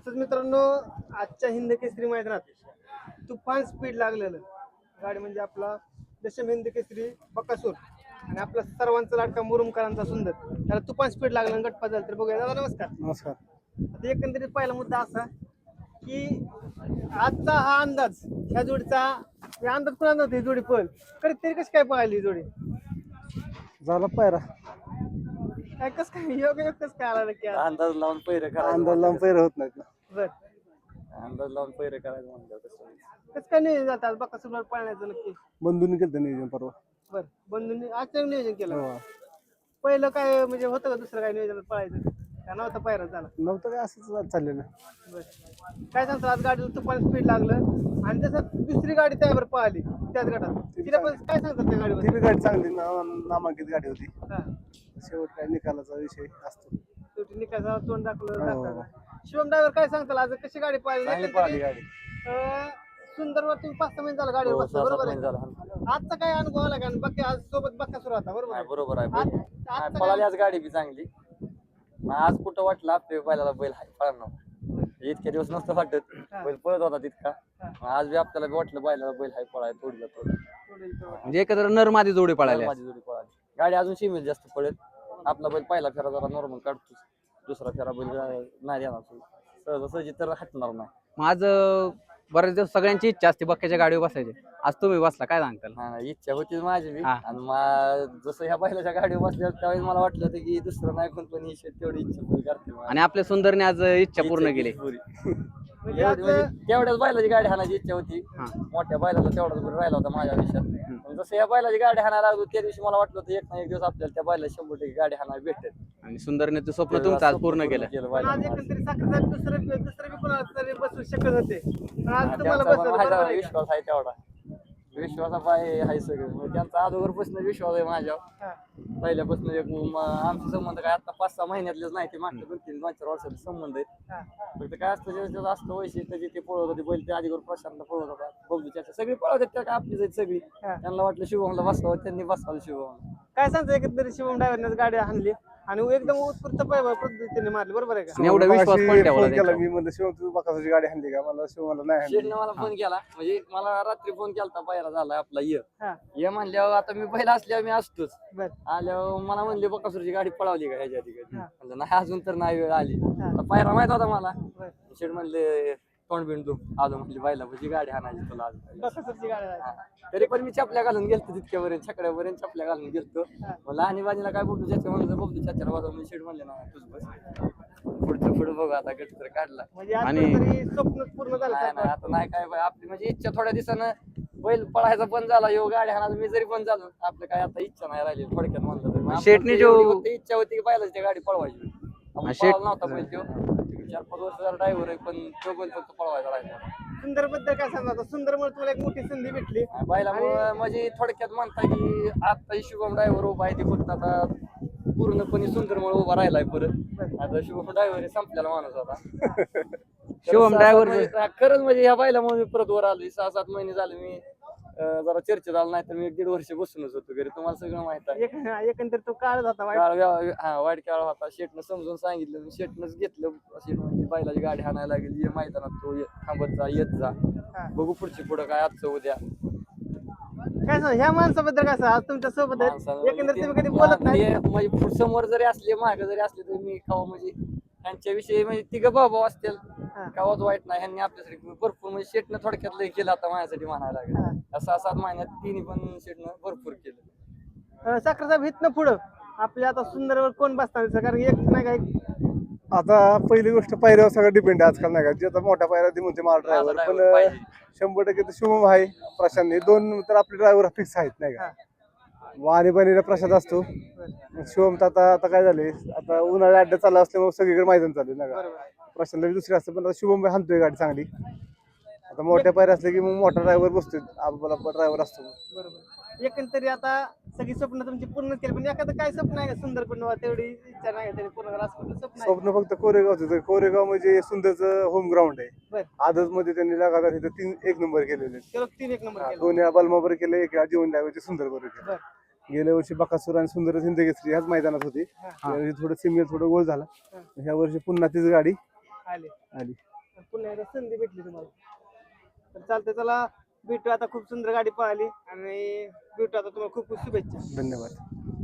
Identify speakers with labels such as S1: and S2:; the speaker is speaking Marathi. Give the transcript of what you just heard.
S1: तसंच मित्रांनो आजच्या हिंद केसरी मैदानात तुफान स्पीड लागलेलं गाडी म्हणजे आपला दशम हिंद केसरी बकासूर आणि आपला सर्वांचा लाडका मुरुमकरांचा सुंदर त्याला तुफान स्पीड लागलं गटपा झालं. तर बघूया दादा नमस्कार.
S2: नमस्कार.
S1: आता एकंदरीत पहिला मुद्दा असा की आजचा हा अंदाज ह्या जोडीचा अंदाज कुणा नव्हती जोडी पळ तरी तरी कशी काय पळाली ही जोडी
S2: झाला पायरा
S1: काय कस काय योग्य कस काय आला नक्की आज?
S3: अंदाज लावून पैरे करायचं
S2: अंदाज लावून पैर होत नाहीत ना.
S1: बर
S3: अंदाज लावून पैरे करायचं म्हणलं तसं
S1: कसं काय नियोजन जातात बकासूरला पळण्याचं नक्की?
S2: बंधूंनी केलं नियोजन परवा.
S1: बर बंधूंनी आजचं नियोजन केलं.
S2: हो.
S1: पहिलं काय म्हणजे होतं का दुसरं काय नियोजन पळायचं का नव्हतं पायरा झाला?
S2: नव्हतं काय असंच चाललेलं.
S1: बर काय सांगतो आज गाडीला तुफान स्पीड लागलं आणि तसं दुसरी गाडी त्यावर पळाली त्याच गटात तिला पण काय सांगतात त्या गाडीवर?
S2: ती बी गाडी चांगली नामांकित गाडी होती.
S1: हा
S2: शेवट काय निकालाचा विषय असतो.
S1: शेवटी निकाला तोंड दाखवलं
S2: हो.
S1: जातं. शिवम ड्रायव्हर काय सांगताल आज कशी गाडी
S3: चांगली
S1: पळाली?
S3: पळाली गाडी.
S1: सुंदरवर तुम्ही 5-6 महिने झाला गाडीवर
S3: हो,
S1: बसला,
S3: 6-7
S1: बरोबर
S3: महिने
S1: आहे?
S3: झाला.
S1: आजचा काय अनुभव आला का बाकी आज सोबत बक्कासूर होता बरोबर
S3: नाही,
S1: आहे?
S3: बरोबर आहे
S1: आज-
S3: बैल.
S1: आजचा
S3: नाही, पळाली
S1: काय-
S3: आज गाडी बी चांगली. मग आज कुठं वाटलं आपल्या बैलाला बैल हाय पळणार इतके दिवस नसतं वाटत
S1: हा.
S3: बैल पळत होता तितका.
S1: हा.
S3: मग आज बी आपल्याला बी वाटलं बैलाला बैल हाय पळाय थोडीला थोडी
S1: थोडं इथं वाटलं.
S4: म्हणजे एकत्र नरमादी जोडी पळाल्या.
S3: माझी जोडी पळाली. गाडी अजून सीमित जास्त पळेल. आपला बैल पहिला फेरा जरा नॉर्मल काढतोच, दुसरा फेरा बैल नाही देणार सहजासहजी तर हटणार नाही.
S4: मग आज बरेच दिवस सगळ्यांची इच्छा असते बक्क्याच्या गाडीवर बसायची. आज तुम्ही बसला, काय सांगताल?
S3: नाही, इच्छा होती माझी बी.
S4: हा.
S3: आणि जसं ह्या बैलाच्या गाडीवर बसल्यावर त्यावेळेस मला वाटलं होतं की दुसरं नाही कोण पण ही तेवढी इच्छा पूर्ण करते माझी.
S4: आणि आपल्या सुंदरने आज इच्छा पूर्ण केली.
S3: पुरी.
S1: म्हणजे
S3: एवढी
S1: आज
S3: म्हणजे तेवढ्याच बैलाची गाडी हाणायची इच्छा होती.
S4: हा.
S3: मोठ्या बैलाला तेवढाच गुण राहिला होता माझ्या आयुष्यात. पण जसं या बैलाची गाडी हाणायला लागलो त्या दिवशी मला वाटलं होतं एक ना एक दिवस आपल्याला त्या बैला 100% गाडी हाणायला भेटेल.
S4: आणि सुंदरने ते स्वप्न तुमचं आज पूर्ण केलं.
S1: पण आज
S3: बैलाला.
S1: एकंदरीत साखर दुसरं बी कोणाला तरी बसू शकत होते पण आज
S3: हा,
S1: तुम्हाला
S3: त्यांचा पण
S1: बसवलं
S3: माझ्यावर
S1: बरोबर आहे का?
S3: विश्वास आहे तेवढा. विश्वासा पाय आहे सगळं. म्हणजे त्यांचा अगोदरपासून विश्वास आहे माझ्यावर.
S1: हा.
S3: पहिल्यापासून एक आमचे संबंध काय आता 5-6 महिन्यातलेच नाही ते मागच्या 2-3-4 वर्षाचे संबंध आहेत.
S1: हा.
S3: फक्त काय असतं ज्याचं असतं वैशिष्ट्य जे ते पळवत होते बैल ते आधीवर प्रशांतला पळवत होता बबलूच्या सगळी पळवत होते त्या आपलीच आहेत सगळी.
S1: हा.
S3: त्यांना वाटलं शिवमला बसवावं त्यांनी बसवावं शिवमला.
S1: काय सांगतो एकंदरीत शिवम ड्रायव्हरने गाडी आणली आणि एकदम उत्स्फूर्त पद्धतीने मारली बरोबर आहे का?
S4: आणि एवढा विश्वास
S2: मगाशी
S4: पण ठेवला
S2: फोन केला
S4: त्यांच्यावर.
S2: मी म्हणलं शिव तू बकासूरची गाडी आणली का? मला शिवाला नाही आणली.
S3: शेठने मला फोन केला म्हणजे मला रात्री फोन केला पायरा झाला आपला
S1: हा.
S3: ये म्हणल्यावर आता मी पहिला असल्यावर मी असतोच.
S1: बर
S3: आल्यावर मला म्हणले बकासूरची गाडी पळवली का ह्याच्या आधी कधी?
S1: हा.
S3: म्हणलं नाही अजून तर नाही वेळ आली.
S1: हा.
S3: आता पायरा माहित होता मला.
S1: बर
S3: शेठ म्हणले तोंड बिंड तू आलो म्हणली बायला म्हणजे गाडी हाणायची तुला आज.
S1: बकासूरची गाडी आहे.
S3: हा. तरी पण मी चपल्या घालून गेलतो तितक्यापर्यंत छकड्यापर्यंत चपल्या घालून गेलतो.
S1: हा.
S3: मला आणि बाजीला काय बघतो चाचा म्हणलं बघतो चाचाला वाजव मी शेठ म्हणले ना तुझ बस पुढचं पुढं बघू आता गट तर काढला.
S1: म्हणजे आज
S4: आणि-
S1: तरी स्वप्न पूर्ण झालं
S3: नाही नाही
S1: सारखं.
S3: आता नाही काय आपली म्हणजे इच्छा थोड्या दिवसानं बैल पळायचा बंद झाला यो गाडी हाणायचा मी जरी बंद झालो आपलं काय आता इच्छा नाही राहिली थोडक्यात म्हणलं तर. मग
S4: शेठने
S3: आपली
S4: जो-
S3: एवढी फक्त इच्छा होती की बैलाची गाडी पळवायची. आपण
S4: शेठ-
S3: पळाला नव्हता बैल तो 4-5 वर्षाचा ड्रायव्हर आहे पण तो बैल फक्त पळवायचा राहिला.
S1: सुंदर बद्दल काय सांगता आता सुंदरमुळे तुम्हाला एक मोठी संधी भेटली.
S3: बैलामुळे म्हणजे थोडक्यात म्हणता की आता शुभम ड्रायव्हर उभा आहे ते फक्त आता पूर्णपणे सुंदरमुळे उभा राहिलाय परत. आता शुभम ड्रायव्हर संपलेला माणूस होता.
S4: शिवम driver
S3: खरंच म्हणजे ह्या बैलामुळे मी परत वर आलो. 6-7 महिने झाले मी जरा चर्चेत आलो नाही तर मी 1.5 वर्ष बसूनच होतो घरी. तुम्हाला सगळं माहित आहे.
S1: एकंदरीत तो काळ होता वाईट.
S3: वाईट काळ होता. शेटनं समजून सांगितलं शेटनंच घेतलं. शेट म्हणजे बैलाची गाडी हाणायला लागेल ये मैदानात तो थांबत जा येत जा
S1: हा.
S3: बघू पुढची पुढं काय आजचं उद्या.
S1: काय सांग ह्या माणसाबद्दल काय सांग आज तुमच्या सोबत आहेत
S3: माणसाला
S1: एकंदरीत तुम्ही कधी
S3: म्हणजे
S1: बोलत नाही.
S3: ते म्हणजे समोर जरी असले मागे जरी असले तरी मी कवा म्हणजे त्यांच्याविषयी म्हणजे तिघ भाऊ असतील
S1: हा.
S3: कवाच वाईट नाही. ह्यांनी आपल्यासाठी भरपूर म्हणजे शेटनं थोडक्यात लय केलं आता माझ्यासाठी म्हणायला
S1: हा.
S3: लागेल. 6-7 महिन्यात तिन्ही पण शेटनं भरपूर केलं.
S1: साखर साहेब इथनं पुढं आपल्या आता सुंदरवर कोण बसणार आहे? कारण एक नाही का एक
S2: आता पहिली गोष्ट पायऱ्यावर सगळं डिपेंड आहे आजकाल नाही का? जे आता मोठ्या पायऱ्या ती म्हणते मला ड्रायव्हर
S3: माझा
S2: पण
S3: driver पाहिजे.
S2: 100% तर शिवम आहे प्रशांत हे दोन तर आपले ड्रायव्हर फिक्स आहेत नाही का? वाणी बनीला प्रसाद असतो. शिवम तर आता काय झाले आता उन्हाळ्या अड्डा चालू असल्यामुळे सगळीकडे मैदान चालू आहे नाही का?
S1: बरोबर
S2: प्रशांतला बी दुसरी असतं पण आता शुभम हाणतोय गाडी चांगली. आता मोठ्या पायऱ्या असले की मग मोठा ड्रायव्हर बसतोय आपला ड्रायव्हर असतो.
S1: बरोबर एकंदरीत आता सगळी स्वप्न तुमची पूर्ण केली पण एखादं काय स्वप्न आहे का सुंदर पण तेवढी इच्छा नाही तरी पूर्ण करा असं कुठलं स्वप्न आहे?
S2: स्वप्न फक्त कोरेगावचं कोरेगाव म्हणजे सुंदरचं होम ग्राउंड आहे.
S1: बर
S2: आदत मध्ये त्यांनी लगातार इथं 3 एक नंबर केलेले आहेत.
S1: केवळ 3 एक नंबर केला.
S2: 2 वेळा बलमाबर केले 1 वेळा जीवन लावायचे सुंदर बरोबर केलं.
S1: बर
S2: गेल्या वर्षी बकासूर आणि सुंदर हिंद केसरी ह्याच मैदानात होती.
S1: हा.
S2: यावर्षी थोडं सिमिलर थोडं गोल झाला.
S1: हा.
S2: ह्या वर्षी पुन्हा तीच गाडी
S1: आले
S2: आली.
S1: पुन्हा एकदा संधी भेटली तुम्हाला. तर चालतंय, चला भेटू आता. खूप सुंदर गाडी पळाली आणि भेटू आता. तुम्हाला खूप खूप शुभेच्छा.
S2: धन्यवाद.